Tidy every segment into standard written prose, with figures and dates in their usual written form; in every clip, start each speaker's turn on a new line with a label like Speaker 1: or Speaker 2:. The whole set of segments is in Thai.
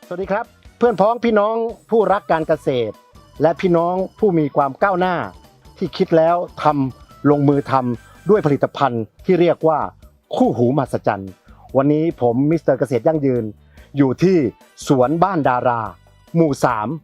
Speaker 1: สวัสดีครับเพื่อนพ้องพี่น้องผู้รักการเกษตรและพี่น้องผู้มีความก้าวหน้าที่คิดแล้วทำลงมือทำด้วยผลิตภัณฑ์ที่เรียกว่าคู่หูมหัศจรรย์วันนี้ผมมิสเตอร์เกษตรยั่งยืนอยู่ที่สวนบ้านดาราหมู่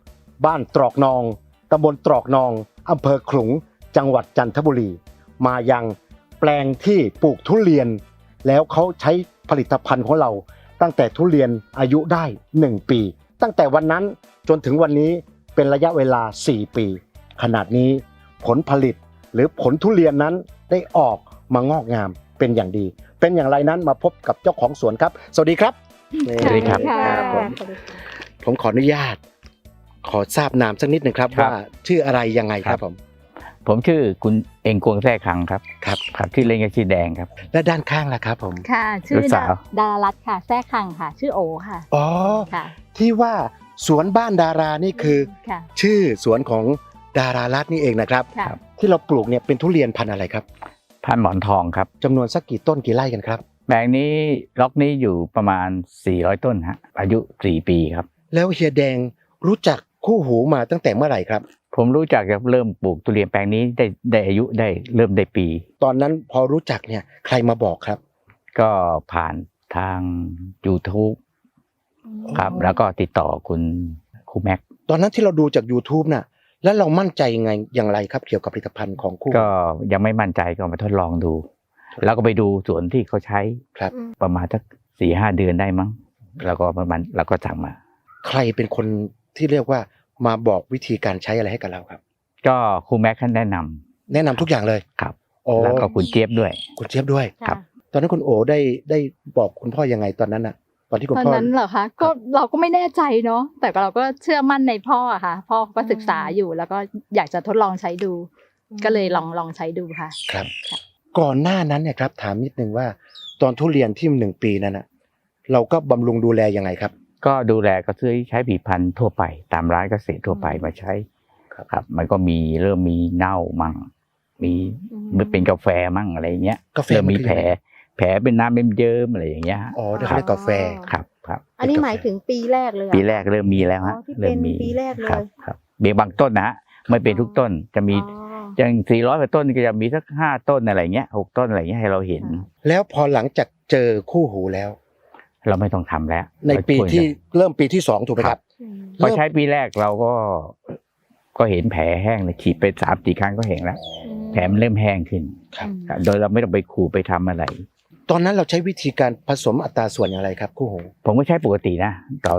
Speaker 1: 3บ้านตรอกนองตำบลตรอกนองอำเภอขลุงจังหวัดจันทบุรีมายังแปลงที่ปลูกทุเรียนแล้วเขาใช้ผลิตภัณฑ์ของเราตั้งแต่ทุเรียนอายุได้1ปีตั้งแต่วันนั้นจนถึงวันนี้เป็นระยะเวลา4ปีขนาดนี้ผลผลิตหรือผลทุเรียนนั้นได้ออกมางอกงามเป็นอย่างดีเป็นอย่างไรนั้นมาพบกับเจ้าของสวนครับสวัสดีครับ
Speaker 2: สวัสดีครับ
Speaker 1: ผมขออนุญาตขอทราบนามสักนิดหนึ่งครับว่าชื่ออะไรยังไงครับผม
Speaker 2: ชื่อคุณเองกวงแท้คังครับ
Speaker 1: ครับ
Speaker 2: ชื่อเล่นก็ชื่อแดงครับ
Speaker 1: และด้านข้างล่ะครับผม
Speaker 3: ค่ะชื่อ
Speaker 2: ลูกสาว
Speaker 3: ดารารัตน์ค่ะแท้คังค่ะ ชื่อโอค่ะ
Speaker 1: อ๋อ
Speaker 3: ค่ะ
Speaker 1: ที่ว่าสวนบ้านดารานี่คือ
Speaker 3: ค่ะ
Speaker 1: ชื่อสวนของดารารัตน์นี่เองนะครับ
Speaker 3: ค่ะ
Speaker 1: ที่เราปลูกเนี่ยเป็นทุเรียนพันธุ์อะไรครับ
Speaker 2: พันหมอนทองครับ
Speaker 1: จำนวนสักกี่ต้นกี่ไร่กันครับ
Speaker 2: แปลงนี้ล็อกนี้อยู่ประมาณ400ต้นฮะอายุ4ปีครับ
Speaker 1: แล้วเฮียแดงรู้จักคู่หูมาตั้งแต่เมื่อไหร่ครับ
Speaker 2: ผมรู้จักจะเริ่มปลูกทุเรียนแปลงนี้ได้อายุได้เริ่มได้ปี
Speaker 1: ตอนนั้นพอรู้จักเนี่ยใครมาบอกครับ
Speaker 2: ก็ผ่านทาง YouTube ครับแล้วก็ติดต่อคุณครูแม็ก
Speaker 1: ตอนนั้นที่เราดูจาก YouTube น่ะแล้วเรามั่นใจยังไงอย่างไรครับเกี่ยวกับผลิตภัณฑ์ของคู่หู
Speaker 2: ก็ยังไม่มั่นใจก็มาทดลองดู แล้วก็ไปดูสวนที่เขาใช้
Speaker 1: ครับ
Speaker 2: ประมาณสัก4-5 เดือนได้มั้งแล้วก็ประมาณเราก็สั่งมา
Speaker 1: ใครเป็นคนที่เรียกว่ามาบอกวิธีการใช้อะไรให้กับเราครับ
Speaker 2: ก็ครูแม็กท่านแนะนำ
Speaker 1: แนะนำทุกอย่างเลย
Speaker 2: ครับ
Speaker 1: โอ้
Speaker 2: แล้วก็คุณเจี๊ยบด้วย
Speaker 1: คุณเจี๊ยบด้วย
Speaker 2: ครับ
Speaker 1: ตอนนั้นคุณโอได้บอกคุณพ่อยังไงตอนนั้นน่ะตอนที่คุณ
Speaker 3: ตอน
Speaker 1: พ่อ
Speaker 3: นั้นเหรอคะก็เราก็ไม่แน่ใจเนาะแต่เราก็เชื่อมั่นในพ่ออะค่ะ พ่อก็ศึกษาอยู่แล้วก็อยากจะทดลองใช้ดู ก็เลยลองใช้ดูค่ะ
Speaker 1: ครับก่อนหน้านั้นเนี่ยครับถามนิดนึงว่าตอนทุเรียนที่1 ปีนั้นน่ะเราก็บำรุงดูแลยังไงครับ
Speaker 2: ก็ดูแลก็ซื้อใช้ผลิตภัณฑ์ทั่วไปตามร้านเกษตรทั่วไปมาใช้ ครับมันก็มีเริ่มมีเน่ามั่งมีมันเป็นกาแฟมั่งอะไรเงี้ย
Speaker 1: กาแฟ
Speaker 2: เริ่มมี
Speaker 1: มันคือ
Speaker 2: แผลเป็นน้ำเป็นเยิ้มอะไรอย่างเงี้ยฮะ
Speaker 1: อ๋อได้เรียกกาแฟ
Speaker 2: ครับครับ
Speaker 4: อันนี้หมายถึงปีแรกเลยเหรอ
Speaker 2: ปีแรกเริ่มมีแล้วฮะ
Speaker 4: อ๋อที่
Speaker 2: เริ่มมี
Speaker 4: เป็นปีแรกเลย
Speaker 2: ครับมีบางต้นนะฮะไม่เป็นทุกต้นจะมี
Speaker 4: อ๋อ
Speaker 2: อย่าง400กว่าต้นก็จะมีสัก5 ต้นอะไรเงี้ย6 ต้นอะไรเงี้ยให้เราเห็น
Speaker 1: แล้วพอหลังจากเจอคู่หูแล้ว
Speaker 2: เราไม่ต้องทำแล้ว
Speaker 1: ในปี
Speaker 2: เราช่วย
Speaker 1: ที่
Speaker 2: กัน
Speaker 1: เริ่มปีที่2ถูกไหมครับ
Speaker 4: อืม
Speaker 2: พอใช้ปีแรกเราก็เห็นแผลแห้งเลยฉีดไป3-4 ครั้งก็เห็นแล้วแผลมันเริ่มแห้งขึ้น
Speaker 1: ครับ
Speaker 2: ครับโดยเราไม่ต้องไปขูดไปทำอะไร
Speaker 1: ตอนนั้นเราใช้วิธีการผสมอัตราส่วนอย่างไรครับคู่หู
Speaker 2: ผมก็ใช้ปกตินะต่อ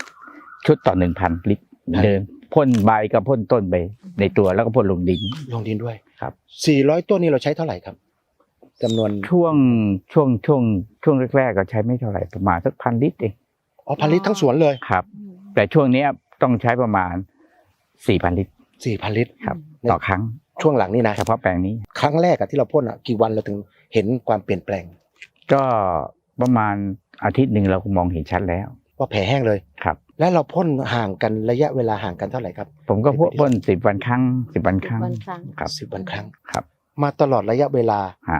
Speaker 2: 1 ชุดต่อ 1,000 ลิตรเหมือนเดิมพ่นใบกับพ่นต้นไปในตัวแล้วก็พ่นลงดิน
Speaker 1: ลงดินด้วย
Speaker 2: ครับ
Speaker 1: 400ต้นนี้เราใช้เท่าไหร่ครับจำนวน
Speaker 2: ช่วงแรกๆก็ใช้ไม่เท่าไหร่ประมาณสัก1,000 ลิตรเอง
Speaker 1: อ๋อ1,000 ลิตรทั้งสวนเลย
Speaker 2: ครับ แต่ช่วงเนี้ยต้องใช้ประมาณ 4,000 ลิตร
Speaker 1: 4,000 ลิตร
Speaker 2: ครับต่อครั้ง
Speaker 1: ช่วงหลังนี่นะ
Speaker 2: เฉพาะแปลงนี้
Speaker 1: ครั้งแรกอะที่เราพ่นอะกี่วันเราถึงเห็นความเปลี่ยนแปลง
Speaker 2: ก็ประมาณอาทิตย์หนึ่งเราก็มองเห็นชัดแล้ว
Speaker 1: ว่าแผลแห้งเลย
Speaker 2: ครับ
Speaker 1: แล้วเราพ่นห่างกันระยะเวลาห่างกันเท่าไหร่ครับ
Speaker 2: ผมก็พ่น10 วันครั้ง10 วันครั้ง
Speaker 4: วันครั้ง
Speaker 2: ครับ
Speaker 1: 10 วันครั้ง
Speaker 2: ครับ
Speaker 1: มาตลอดระยะเวลา
Speaker 2: ฮะ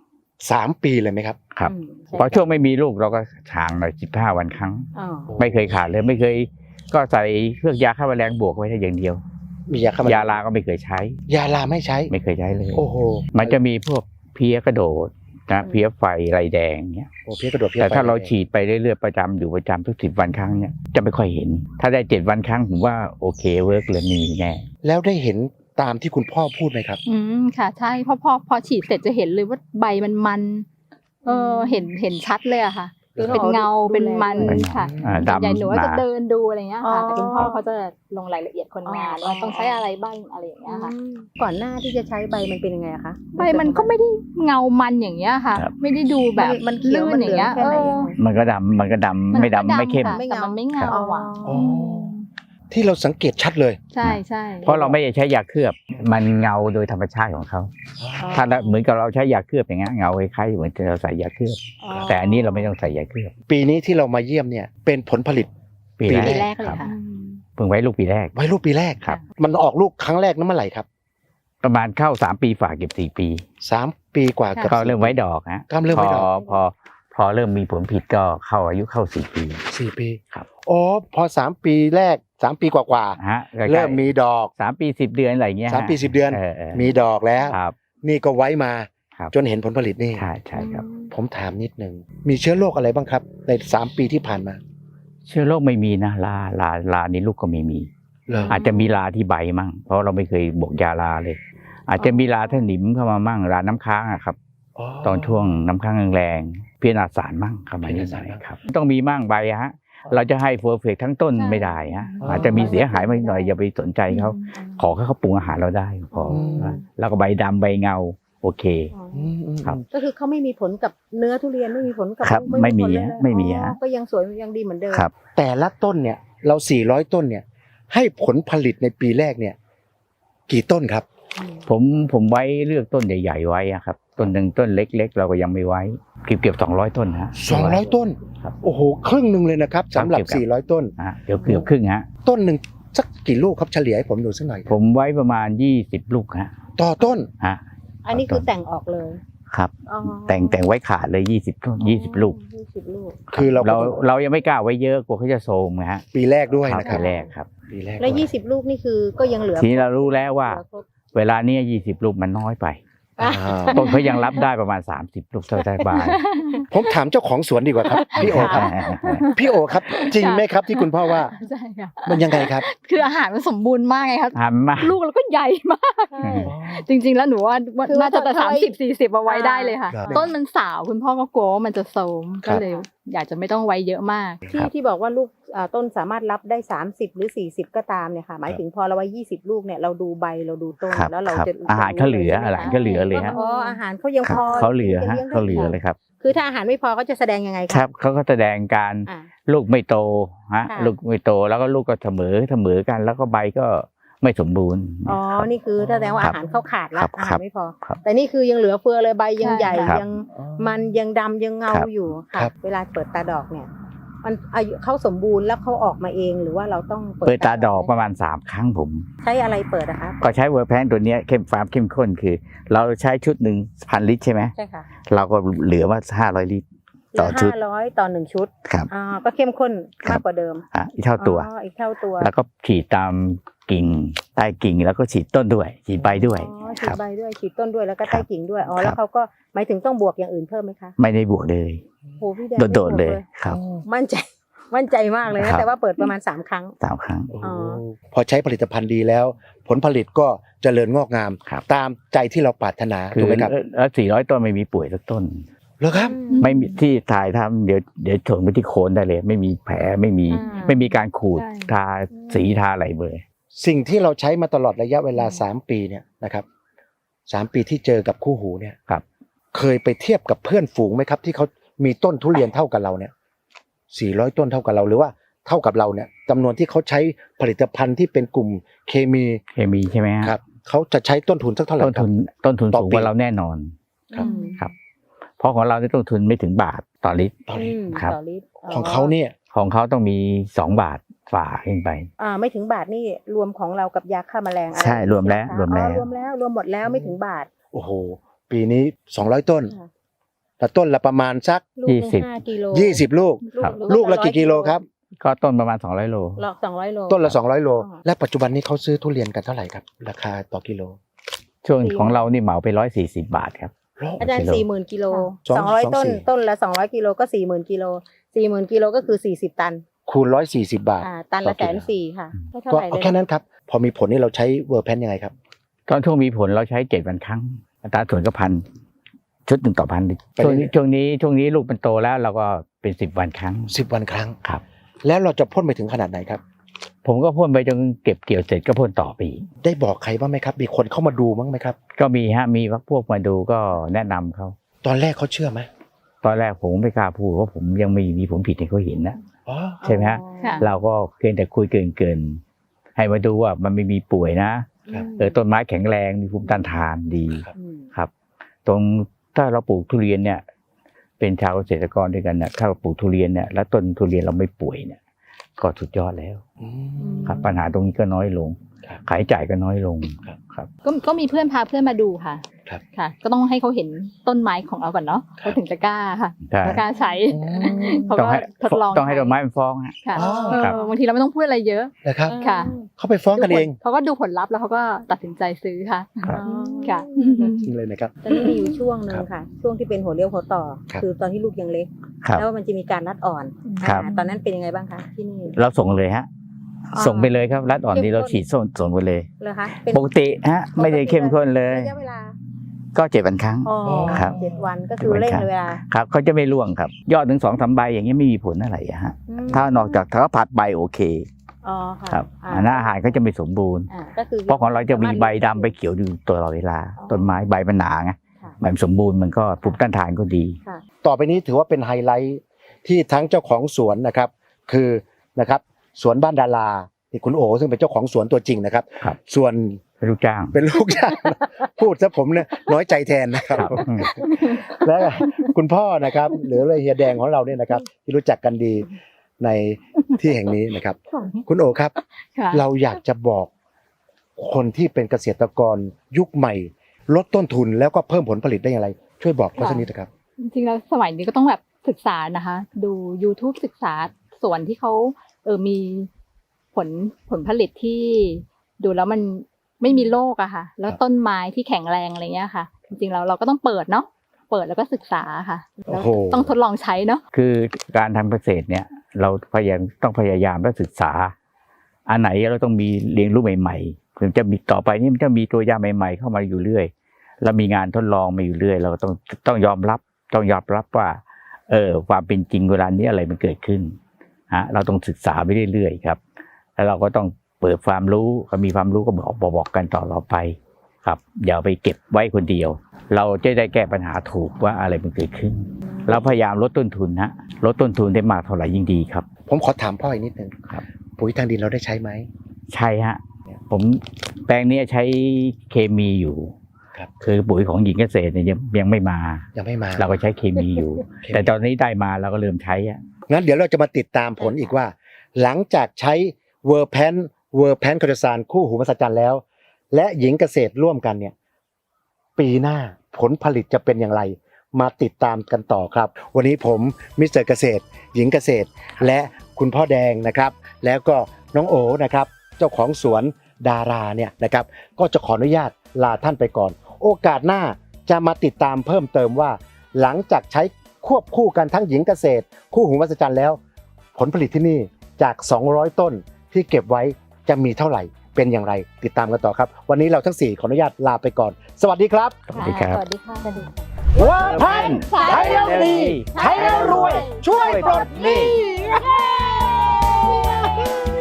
Speaker 1: 3 ปีเลยไหมครับ
Speaker 2: ครับ
Speaker 4: อืม
Speaker 2: พอช่วงไม่มีลูกเราก็ห่างหน่อย15 วันครั้ง
Speaker 4: อ๋อ
Speaker 2: ไม่เคยขาดเลยไม่เคย ก็ใส่เครื่องยาฆ่าแมลงบวกไว้ได้อย่างเดียว
Speaker 1: มียาฆ่าแมลง
Speaker 2: ยาลาก็ไม่เคยใช้
Speaker 1: ยาลาไม่ใช้
Speaker 2: ไม่เคยใช้เลย
Speaker 1: โอ้โห
Speaker 2: มันจะมีพวกเพลี้ยกระโดดนะเพลี้ยไฟไรแดงเงี้ย
Speaker 1: โอ้เพี้ยกระโดดเพี้ย
Speaker 2: แต่ถ้า
Speaker 1: ไฟ
Speaker 2: เราฉีดไปเรื่อยๆประจำอยู่ประจำทุก10 วันครั้งเนี่ยจะไม่ค่อยเห็น ถ้าได้7 วันครั้งผมว่าโอเคเวิร์กเลยมีแน่
Speaker 1: แล้วได้เห็นตามที่คุณพ่อพูดไหมครับ
Speaker 3: ค่ะใช่พอฉีดเสร็จจะเห็นเลยว่าใบมันเห็นชัดเลยอะค่ะ เป็นเงาเป็นมันค่ะ
Speaker 2: ดำ
Speaker 3: ใหญ่หนูว่า
Speaker 2: หนา
Speaker 3: จะเดินดูอะไรเงี้ยค่ะ
Speaker 4: อ๋อ
Speaker 3: แต่คุณพ่อเขาจะลงรายละเอียดคนงาน
Speaker 4: อ๋อ
Speaker 3: ว่าต้องใช้อะไรบ้างอะไรอย่างเงี้ยค่ะ
Speaker 4: อืมก่อนหน้าที่จะใช้ใบมันเป็นยังไงอะคะ
Speaker 3: ใบมันก็ไม่ได้เงามันอย่างเงี้ยค่ะ
Speaker 2: ครับ
Speaker 3: ไม่ได้ดูแบบ
Speaker 4: มันเขียว
Speaker 3: ลื่
Speaker 4: มัน
Speaker 3: อ
Speaker 4: เหลื
Speaker 3: ย่าง
Speaker 4: อง
Speaker 3: เงี้ย
Speaker 4: แค่ไหนยังไง
Speaker 2: มันก็ดำไม่ดำไม่เข้ม
Speaker 3: ค่ะแต่มันไม่เงาอ่ะ
Speaker 1: อ๋อ ที่เราสังเกตชัดเลย
Speaker 3: ใช่ใช่
Speaker 2: เพราะเราไม่ได้ใช้ยาเคลือบมันเงาโดยธรรมชาติของเขาถ้าเหมือนกับเราใช้ยาเคลือบอย่างเงี้ยเงาคล้ายๆเหมือนเราใส่ยาเคลือบ แต่อันนี้เราไม่ต้องใส่ยาเคลือบ
Speaker 1: ปีนี้ที่เรามาเยี่ยมเนี่ยเป็นผลผลิต
Speaker 2: ปี
Speaker 1: ปี
Speaker 3: ปี
Speaker 2: แร
Speaker 3: แร
Speaker 2: ก
Speaker 3: กเลยค่ะ
Speaker 2: เพิ่งไว้ลูกปีแรก
Speaker 1: ไว้ลูกปีแรก
Speaker 2: ครับ
Speaker 1: มันออกลูกครั้งแรกนั้นเมื่อไหร่ครับ
Speaker 2: ประมาณเข้า3 ปีฝากเก็บ4 ปี
Speaker 1: 3 ปีกว่ากับ
Speaker 2: ก็เริ่มไว้ดอกฮะ
Speaker 1: ก็เริ่มไว้ดอก
Speaker 2: พอพอเริ่มมีผลผลิตก็เข้าอายุเข้า4 ปี
Speaker 1: 4 ปี
Speaker 2: ครับ
Speaker 1: อ๋อพอ3 ปีแรก3 ปีกว่า
Speaker 2: ฮะ
Speaker 1: ๆเริ่มมีดอก
Speaker 2: 3 ปี 10 เดือนอะไรอย่างเงี้ยฮะ
Speaker 1: 3 ปี 10 เดือน มีดอกแล้ว
Speaker 2: ครับ
Speaker 1: นี่ก็ไว้มา
Speaker 2: ครับ
Speaker 1: จนเห็นผลผลิตนี่
Speaker 2: ใช่ใช่ครับ
Speaker 1: ผมถามนิดนึงมีเชื้อโรคอะไรบ้างครับใน3 ปีที่ผ่านมา
Speaker 2: เชื้อโรคไม่มีนะลานี่ลูกก็ไม่มี
Speaker 1: เหรอ
Speaker 2: อาจจะมีลาที่ใบมั่งเพราะเราไม่เคยบวกยาลาเลย อาจจะมีลาท่าหนิมเข้ามามั่งลาน้ำค้างอะครับ ตอนช่วงน้ำค้างแรงๆเพี้ยนอาสารมั่งเข้ามานิดหน่อยครับต้องมีมั่งใบฮะเราจะให้เพอร์เฟกทั้งต้นไม่ได้ฮะอาจจะมีเสียหายมาหน่อยอย่าไปสนใจเขาขอให้เขาปรุงอาหารเราได้พอแล้วก็ใบดำใบเงาโอเค ครับ
Speaker 4: ก็คือเขาไม่มีผลกับเนื้อทุเรียนไม่มีผลกับ
Speaker 2: ครับ
Speaker 4: ลูก
Speaker 2: ไม่มี
Speaker 4: ผลเลย
Speaker 2: ฮะไม่มี
Speaker 4: อ๋อ
Speaker 2: ฮะ
Speaker 4: ก็ยังสวยยังดีเหมือนเดิม
Speaker 2: ครับ
Speaker 1: แต่ละต้นเนี่ยเรา400 ต้นเนี่ยให้ผลผลิตในปีแรกเนี่ยกี่ต้นครับ
Speaker 2: ผมไว้เลือกต้นใหญ่ๆไว้อะครับต้นหนึ่งต้นเล็กๆ เราก็ยังไม่ไว้เกือบ200 ต้นฮะ
Speaker 1: 200 ต้น
Speaker 2: ครับ
Speaker 1: โอ้โหครึ่งหนึ่งเลยนะครับสำหรับ
Speaker 2: ครับ
Speaker 1: 400 ต้น
Speaker 2: ฮะเดี๋ยวเกือบครึ่งฮะ
Speaker 1: ต้นหนึ่งสักกี่ลูกครับเฉลี่ยให้ผมดูสักหน่อย
Speaker 2: ผมไว้ประมาณ20 ลูกฮะ
Speaker 1: ต่อต้น
Speaker 2: ฮะ
Speaker 4: อันนี้คือแต่งออกเลย
Speaker 2: ครับ
Speaker 4: อ๋อ
Speaker 2: แต่งไว้ขาดเลย20 ต้น20 ลูก
Speaker 4: 20 ลูก
Speaker 1: คือเรา
Speaker 2: เรายังไม่กล้าไว้เยอะกลัวเขาจะโทรมนะฮะ
Speaker 1: ปีแรกด้วย
Speaker 2: ครับ
Speaker 1: นะครับ
Speaker 2: ปีแรกครับ
Speaker 1: ปีแรก
Speaker 4: แล้ว
Speaker 1: ด้วย
Speaker 4: 20 ลูกนี่คือก็ยังเหลือ
Speaker 2: ทีนี้เรารู้แล้วว่า
Speaker 4: เหลือครบ
Speaker 2: เวลาเนี้ย20 ลูกมันน้อยไป
Speaker 1: อ่า
Speaker 2: ต้นเขายังรับได้ประมาณ30 ลูกสบาย
Speaker 1: ผมถามเจ้าของสวนดีกว่าครับ พี่โอครับ พี่โอครับ จริงไหมครับที่คุณพ่อว่า
Speaker 3: ใช่ค่ะ
Speaker 1: มันยังไงครับ
Speaker 3: คืออาหารมันสมบูรณ์มากไงครับ
Speaker 2: หันมา
Speaker 3: ลูกแล้วก็ใหญ่มาก
Speaker 4: ใช่
Speaker 3: จริง ๆ แล้วหนูว่า
Speaker 4: คือว่า
Speaker 3: น่าจะแต่
Speaker 4: ถ้าไว้
Speaker 3: 30-40เอาไว้ได้เลยค่ะ
Speaker 1: ครับ
Speaker 3: ต้นมันสาวคุณพ่อก็กลัวว่ามันจะโทรม
Speaker 1: ครั
Speaker 3: ก็
Speaker 1: บ
Speaker 3: เลยอยากจะไม่ต้องไว้เยอะมาก
Speaker 4: ที่บอกว่าลูกต้นสามารถรับได้30หรือ40ก็ตามเนี่ยค่ะหมายถึงพอเราไว้20 ลูกเนี่ยเราดูใบเราดูต้น
Speaker 2: ครับ
Speaker 4: แล้วเรา
Speaker 2: ครับ
Speaker 4: จะ
Speaker 2: อาหารเขาเหลือ
Speaker 4: ใช่ไม
Speaker 2: อาหารก็เหลือเลยฮะ
Speaker 4: อ๋ออาหารเขายัง
Speaker 2: ครั
Speaker 4: พ
Speaker 2: บ
Speaker 4: อ
Speaker 2: เขาเหลือฮะ
Speaker 4: ที่จ
Speaker 2: เขาเหลือ
Speaker 4: ได้
Speaker 2: เลยครับ
Speaker 4: คือถ้าอาหารไม่พอเขาจะแสดงยังไง
Speaker 2: ครับเขาก็แสดงการ
Speaker 4: อ่า
Speaker 2: ลูกไม่โตฮะ
Speaker 4: ค่ะ
Speaker 2: ลูกไม่โตแล้วก็ลูกก็เสมอกัน แล้วก็ใบก็ไม่สมบูรณ์
Speaker 4: อ๋อ
Speaker 2: ครับ
Speaker 4: นี่คือแสดงว่า
Speaker 2: ครับ
Speaker 4: อาหารเขาขาดแล้
Speaker 2: ครั
Speaker 4: ว
Speaker 2: บ
Speaker 4: อา
Speaker 2: ครั
Speaker 4: หาร
Speaker 2: บ
Speaker 4: ไม่พอ
Speaker 2: ครับ
Speaker 4: แต่นี่คือยังเหลือเฟือเลยใบยัง
Speaker 3: ใช่
Speaker 4: ใหญ่
Speaker 2: ครับ
Speaker 4: ยังมันยังดำยังเงา
Speaker 2: ครับ
Speaker 4: อยู่ค่ะ
Speaker 1: ครับ
Speaker 4: เวลาเปิดตาดอกเนี่ย มันอายุเขาสมบูรณ์แล้วเขาออกมาเองหรือว่าเราต้อง
Speaker 2: เปิดตาดอกประมาณ3 ครั้งผม
Speaker 4: ใช้อะไรเปิดอะคะ
Speaker 2: ก็ใช้เวอร์แพนตัวเนี้ยเข้มข้นคือ เราใช้ชุดหนึ่ง1,000 ลิตรใช่ไหม
Speaker 4: ใช่ค่ะ
Speaker 2: เราก็เหลือว่า500 ลิตร ต่อชุด
Speaker 4: 500ต่อ1 ชุด
Speaker 2: ครับ
Speaker 4: ก็เข้มข้น
Speaker 2: ครั
Speaker 4: มา
Speaker 2: บ
Speaker 4: กกว่าเดิม
Speaker 2: อีกเท่าตัว
Speaker 4: อีกเท่าตัว
Speaker 2: แล้วก็ฉีดตามกิ่งใต้กิ่งแล้วก็ฉีดต้นด้วย ฉีดใบด้วย
Speaker 4: ฉี
Speaker 2: ค
Speaker 4: ด
Speaker 2: รับ
Speaker 4: ใบด้วยฉีดต้นด้วยแล้วก็
Speaker 2: ครั
Speaker 4: ใต้
Speaker 2: บ
Speaker 4: กิ่งด้วย
Speaker 2: ครั
Speaker 4: แล้ว
Speaker 2: บ
Speaker 4: เขาก็หมายถึงต้องบวกอย่างอื่นเพิ่มไหมคะ
Speaker 2: ไม่ได้บวกเลย
Speaker 4: โหพี่แดงไม่
Speaker 2: โดด
Speaker 4: บวก
Speaker 2: ๆเลยครับ
Speaker 4: มั่นใจมากเลย
Speaker 2: ครั
Speaker 4: นะ
Speaker 2: บ
Speaker 4: แต่ว่าเปิดประมาณ3 ครั้ง
Speaker 2: 3 ครั้ง
Speaker 1: โอ้
Speaker 4: อ๋อ
Speaker 1: พอใช้ผลิตภัณฑ์ดีแล้ว ผลผลิตก็เจริญงอกงาม
Speaker 2: ครับ
Speaker 1: ตามใจที่เราปรารถนา
Speaker 2: คื
Speaker 1: ถู
Speaker 2: อก
Speaker 1: ไหมครับ
Speaker 2: แล้ว400 ต้นไม่มีป่วยสักต้น
Speaker 1: เหรอครับ
Speaker 2: ไม่มีที่ถ่ายทำเดี๋ยวชนไปที่โคนได้เลย ไม่มีแผลไม่มีการขูด
Speaker 3: ใช่
Speaker 2: ทาสีทาอะไรเลย
Speaker 1: สิ่งที่เราใช้มาตลอดระยะเวลา3 ปีเนี่ยนะครับ3 ปีที่เจอกับคู่หูเนี่ย
Speaker 2: ครับ
Speaker 1: เคยไปเทียบกับเพื่อนฝูงไหมครับ ที่เขามีต้นทุเรียนเท่ากับเราเนี่ย400 ต้นเท่ากับเราหรือว่าเท่ากับเราเนี่ยจำนวนที่เขาใช้ผลิตภัณฑ์ที่เป็นกลุ่มเคมี
Speaker 2: เคมีใช่ไหมฮะ
Speaker 1: ครับเขาจะใช้ต้นทุนสักเท่าไหร่
Speaker 2: ต้น
Speaker 1: ครั
Speaker 2: ทุ
Speaker 1: บ
Speaker 2: นต้นทุน
Speaker 1: ต่อ
Speaker 2: สูง
Speaker 1: ปี
Speaker 2: กว่าเราแน่นอน
Speaker 1: ครับ
Speaker 2: ครับ เพราะของเราเนี่ยต้นทุนไม่ถึงบาทต่อลิตร
Speaker 1: ตอนนี้
Speaker 2: ครับ
Speaker 4: ต่อลิตร
Speaker 1: ของเขาเนี่ย
Speaker 2: ของเขาต้องมี2 บาทฝ่าขึ้นไป
Speaker 4: ไม่ถึงบาทนี่รวมของเรากับยาฆ่าแมลงอะไร
Speaker 2: ใช่รวมแล้ว
Speaker 4: ใช่ไห
Speaker 2: รวมแล้ว
Speaker 4: รวมแล้วรวมหมดแล้วไม่ถึงบาท
Speaker 1: โอ้โหปีนี้200 ต้น
Speaker 4: ค่ะ
Speaker 1: แต่ต้นละประมาณสัก
Speaker 4: ลูกหนึ่ง
Speaker 2: 20
Speaker 4: 5 กิโล
Speaker 1: 20 ลูก
Speaker 2: ครับ
Speaker 1: ลูกละกี่กิโลครับ
Speaker 2: ก็ต้นประมาณ200 โล
Speaker 4: หลอก200 โล
Speaker 1: ต้นละ200 โล
Speaker 4: อ๋อ
Speaker 1: และปัจจุบันนี้เขาซื้อทุเรียนกันเท่าไหร่ครับ ราคาต่อกิโล
Speaker 2: ช่วงของเรานี่เหมาไป140 บาทครับ
Speaker 4: อาจารย์
Speaker 2: กิโล
Speaker 4: 40,000 กิโล
Speaker 1: สอง
Speaker 4: 200 ต้น
Speaker 1: สี่
Speaker 4: ต้นละ200 กิโลก็40,000 กิโล40,000 กิโลก็คือ40 ตัน
Speaker 1: คูณ140 บาท
Speaker 4: ตันละ
Speaker 1: ต่อกิโล
Speaker 4: 140,000ค่ะไม่เท่า
Speaker 1: ก็
Speaker 4: ไหร่
Speaker 1: เอา
Speaker 4: เลย
Speaker 1: แค่นั้นครับ พอมีผลนี่เราใช้เวอร์แพนยังไงครับ
Speaker 2: ตอนช่วงมีผลเราใช้7 วันครั้งอัตราส่วนก็1,000 ชุด1 ต่อ 1,000 ลิตร
Speaker 1: ไป
Speaker 2: ช่วง
Speaker 1: เรื่
Speaker 2: นี้
Speaker 1: อย
Speaker 2: ช่วงนี้ลูกมันโตแล้วเราก็เป็น10 วันครั้ง
Speaker 1: 10 วันครั้ง
Speaker 2: ครับ
Speaker 1: แล้วเราจะพ่นไปถึงขนาดไหนครับ
Speaker 2: ผมก็พ่นไปจนเก็บเกี่ยวเสร็จก็พ่นต่อไปอีก
Speaker 1: ได้บอกใครบ้างไหมครับ มีคนเข้ามาดูบ้างไหมครับ
Speaker 2: ก็มีมีพวกมาดูก็แนะนำเขา
Speaker 1: ตอนแรกเขาเชื่อไหม
Speaker 2: ตอนแรกผมไม่กล้าพูดเพราะผมยังไม่มีผลผิดให้เขาเห็นนะ
Speaker 1: อ๋อ
Speaker 2: ใช่ไหมฮะ
Speaker 3: ค่ะ
Speaker 2: เราก็เพียงแต่คุยเกินให้มาดูว่ามันไม่มีป่วยนะ
Speaker 1: ครับ
Speaker 2: ต้นไม้แข็งแรงมีภูมิต้านทานดี
Speaker 1: ครับ
Speaker 2: ครับ ตรงถ้าเราปลูกทุเรียนเนี่ย เป็นชาวเกษตรกรด้วยกันเนี่ยถ้าเราปลูกทุเรียนเนี่ยแล้วต้นทุเรียนเราไม่ป่วยเนี่ย ก็สุดยอดแล้ว
Speaker 1: อืม
Speaker 2: ครับ ปัญหาตรงนี้ก็น้อยลง
Speaker 1: ครับ
Speaker 2: ขายจ่ายก็น้อยลง
Speaker 1: ครับ
Speaker 2: ครับ
Speaker 3: ก็มีเพื่อนพาเพื่อนมาดูค่ะ
Speaker 1: ครับ
Speaker 3: ค่ะ ก็ต้องให้เขาเห็นต้นไม้ของเราก่อนเนาะ
Speaker 1: ครับ
Speaker 3: เขาถึงจะกล้าค่ะ
Speaker 2: ใช่
Speaker 3: กล้าใช้ เขา
Speaker 2: ต้อง
Speaker 3: ก็
Speaker 2: ให้
Speaker 3: ทดลอง
Speaker 2: ต้องให้ต้นไม้มันฟ้องฮะ
Speaker 3: ค่ะ
Speaker 1: อ๋อ
Speaker 2: ครับ
Speaker 3: บางทีเราไม่ต้องพูดอะไรเยอะ
Speaker 1: นะครับ
Speaker 3: ค่ะ
Speaker 1: เขาไปฟ้องกันเอง
Speaker 3: เขาก็ดูผลลัพธ์แล้วเขาก็ตัดสินใจซื้อค่ะ
Speaker 2: ครับ
Speaker 3: ค่ะ
Speaker 1: จริงเลยนะครับ
Speaker 4: ตอนนี้มีอยู่ช่วงหนึ่งค่ะ ช่วงที่เป็นหัวเลี้ยวหัวต่อ
Speaker 1: ครับ
Speaker 4: คือตอนที่ลูกยังเล็ก
Speaker 2: ครับ
Speaker 4: แล้วมันจะมีการรัดอ่อน
Speaker 2: ครับ
Speaker 4: ตอนนั้นเป็นยังไงบ้างคะที่นี่
Speaker 2: เราส่งเลยฮะ
Speaker 4: อ๋อ
Speaker 2: ส่งไปเลยครับรัดอ่อนนี้เราฉีดส่งไปเลย
Speaker 4: เลยคะเป็น
Speaker 2: ปกติฮะไม่ได้เข้มข้นเลย
Speaker 4: ระยะเวลา
Speaker 2: ก็7 วันครั้ง
Speaker 4: อ๋อ
Speaker 2: ครับ
Speaker 4: 7 วันก็คือเร่งเวลา
Speaker 2: ครับเขาจะไม่ร่วงครับ ยอดถึง2-3 ใบอย่างนี้ยไม่มีผลอะไรอะฮะ
Speaker 4: อืม
Speaker 2: ถ้านอกจากถ้าผัดใบโอเค
Speaker 4: อ๋อค่ะ
Speaker 2: ครับ
Speaker 4: อ่า
Speaker 2: อันนั้นอาหารก็จะไม่สมบูรณ์
Speaker 4: ก็คือ
Speaker 2: เพราะของเราจะมีใบดำใบเขียวอยู่ตลอดเวลา ต้นไม้ใบมันหนาไง
Speaker 4: ค่ะ
Speaker 2: ใบมันสมบูรณ์มันก็ภูมิต้านทานก็ดี
Speaker 4: ค่ะ
Speaker 1: ต่อไปนี้ถือว่าเป็นไฮไลท์ที่ทั้งเจ้าของสวนนะครับ คือนะครับสวนบ้านดาราที่คุณโอซึ่งเป็นเจ้าของสวนตัวจริงนะครับ
Speaker 2: ครับ
Speaker 1: ส่วน
Speaker 2: เป็นลูกจ้าง
Speaker 1: เป็นลูกจ้าง พูดซะผมเนี่ยน้อยใจแทนนะครับ
Speaker 2: ครับ
Speaker 1: และคุณพ่อนะครับ หรือเฮียแดงของเราเนี่ยนะครับ ที่รู้จักกันดีในที่แห่งนี้นะครับ คุณโอครับ
Speaker 3: ค่ะ
Speaker 1: เราอยากจะบอกคนที่เป็นเกษตรกรยุคใหม่ ลดต้นทุนแล้วก็เพิ่มผลผลิตได้อย่างไร ช่วยบอกเขาสักนิดนะครับ
Speaker 3: จริงๆแล้วสมัยนี้ก็ต้องแบบศึกษานะคะ ดู YouTube ศึกษาส่วนที่เขามีผลผลิตที่ดูแล้วมันไม่มีโรคอะค่ะ แล้วต้นไม้ที่แข็งแรงอะไรเงี้ยค่ะ จริงๆแล้วเราก็ต้องเปิดเนาะเปิดแล้วก็ศึกษาค่ะแล้ว
Speaker 1: โอ้โห
Speaker 3: ต้องทดลองใช้เนาะ
Speaker 2: คือการทำเกษตรเนี่ย เราต้องพยายามและศึกษา อันไหนเราต้องมีเรียนรู้ใหม่ๆถึงจะมีต่อไปนี่มันจะมีตัวยาใหม่ ๆ เข้ามาอยู่เรื่อยแล้วมีงานทดลองมาอยู่เรื่อย เราก็ต้องยอมรับว่าความเป็นจริงเวลานี้อะไรมันเกิดขึ้นเราต้องศึกษาไปเรื่อยๆครับ แล้วเราก็ต้องเปิดความรู้ก็มีความรู้ก็บอกกันต่อไปครับอย่าไปเก็บไว้คนเดียว เราจะได้แก้ปัญหาถูกว่าอะไรมันเกิดขึ้น เราพยายามลดต้นทุนลดต้นทุนได้มากเท่าไหร่ยิ่งดีครับ
Speaker 1: ผมขอถามพ่ออีกนิดนึง
Speaker 2: ครับ
Speaker 1: ปุ๋ยทางดินเราได้ใช้ไหม
Speaker 2: ใช่ฮะผมแปลงนี้ใช้เคมีอยู่
Speaker 1: ครับ
Speaker 2: คือปุ๋ยของหญิงเกษตรเนี่ยยังไม่มา
Speaker 1: ยังไม่มา
Speaker 2: เราก็ใช้เคมีอยู่ แต่ตอนนี้ได้มาเราก็เริ่มใช้อะ
Speaker 1: งั้นเดี๋ยวเราจะมาติดตามผลอีกว่า หลังจากใช้เวอร์แพนคาร์ซานคู่หูมหัศจรรย์แล้ว และหญิงเกษตรร่วมกันเนี่ยปีหน้าผลผลิตจะเป็นอย่างไร มาติดตามกันต่อครับ วันนี้ผมมิสเตอร์เกษตร หญิงเกษตร และคุณพ่อแดงนะครับ แล้วก็น้องโอนะครับ เจ้าของสวนดาราเนี่ยนะครับ ก็จะขออนุญาตลาท่านไปก่อน โอกาสหน้าจะมาติดตามเพิ่มเติมว่า หลังจากใช้ควบคู่กันทั้งหญิงเกษตร คู่หูมหัศจรรย์แล้ว ผลผลิตที่นี่จาก 200 ต้นที่เก็บไว้จะมีเท่าไหร่เป็นอย่างไรติดตามกันต่อครับ วันนี้เราทั้ง4ขออนุญาตลาไปก่อน สวัสดีครับ
Speaker 2: สวัสดีครับ
Speaker 3: สวัสดีค่ะ
Speaker 1: เวอร์แพนใช้แล้วดีใช้แล้วรวย ช่วยปลดหนี้